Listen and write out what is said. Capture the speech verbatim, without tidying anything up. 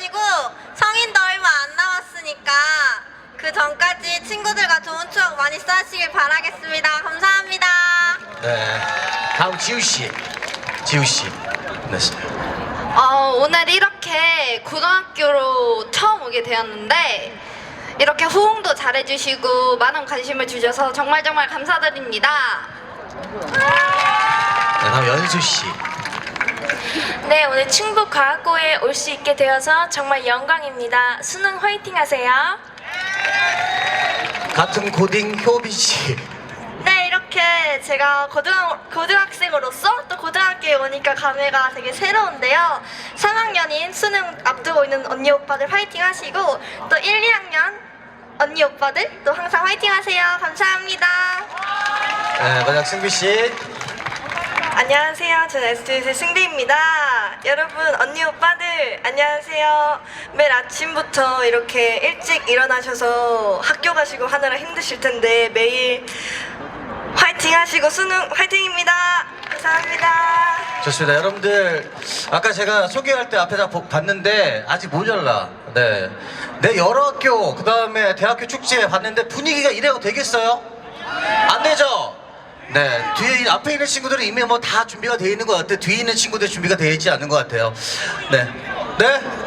마시고 성인도 얼마 안 남았으니까 그 전까지 친구들과 좋은 추억 많이 쌓으시길 바라겠습니다. 감사합니다. 네. 다음 지우 씨. 지우 씨. 네. 어, 오늘 이렇게 고등학교로 처음 오게 되었는데 이렇게 호응도 잘해주시고 많은 관심을 주셔서 정말 정말 감사드립니다. 네, 다음 연수 씨. 네, 오늘 충북과학고에 올 수 있게 되어서 정말 영광입니다. 수능 화이팅 하세요. 같은 고딩 효빈 씨. 네, 이렇게 제가 고등학, 고등학생으로서 또 고등학교에 오니까 감회가 되게 새로운데요. 삼 학년인 수능 앞두고 있는 언니 오빠들 화이팅 하시고 또 일, 이 학년 언니 오빠들 또 항상 화이팅 하세요. 감사합니다. 네, 마지막 승비 씨. 안녕하세요. 저는 에스티에스의 승대입니다. 여러분, 언니 오빠들 안녕하세요. 매일 아침부터 이렇게 일찍 일어나셔서 학교 가시고 하느라 힘드실 텐데 매일 화이팅 하시고 수능 화이팅입니다. 감사합니다. 좋습니다. 여러분들 아까 제가 소개할 때 앞에다 보- 봤는데 아직 모자라. 네. 내 여러 학교 그 다음에 대학교 축제 봤는데 분위기가 이래도 되겠어요? 안 되죠? 네. 뒤에 이- 앞에 있는 친구들은 이미 뭐 다 준비가 되어 있는 것 같아요. 뒤에 있는 친구들 준비가 되어 있지 않은 것 같아요. 네. 네.